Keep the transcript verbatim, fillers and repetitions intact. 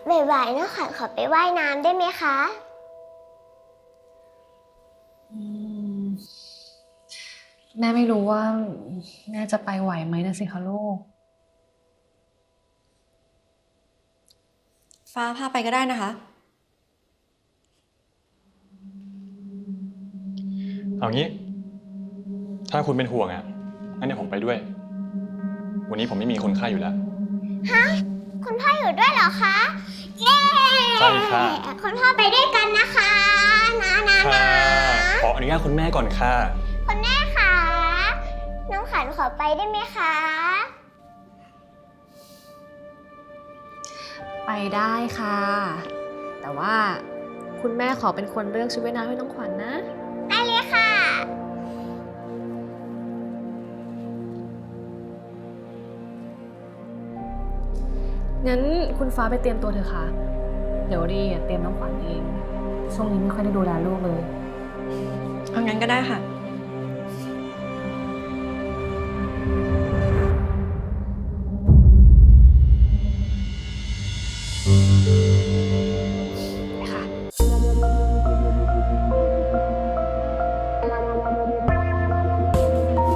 บ่ายๆน้องขวัญขอไปว่ายน้ำได้ไหมคะอืมแม่ไม่รู้ว่าแม่จะไปไหวไหมนะสิคะลูกฟ้าพาไปก็ได้นะคะเอางี้ ถ้าคุณเป็นห่วงอ่ะงั้นเดี๋ยวผมไปด้วย วันนี้ผมไม่มีคนไข้อยู่แล้วฮะคุณพ่ออยู่ด้วยเหรอคะเย้ใช่ค่ะคุณพ่อไปด้วยกันนะคะนะนะค่ะนะขออนุญาตคุณแม่ก่อนค่ะคุณแม่คะน้องขวัญขอไปได้ไหมคะไปได้ค่ะ แต่ว่าคุณแม่ขอเป็นคนเลือกชุดว่ายน้ำให้น้องขวัญนะได้เลยค่ะงั้นคุณฟ้าไปเตรียมตัวเถอะค่ะ เดี๋ยวดีเตรียมน้องขวัญเอง ช่วงนี้ไม่ค่อยได้ดูแลลูกเลยเอางั้นก็ได้ค่ะ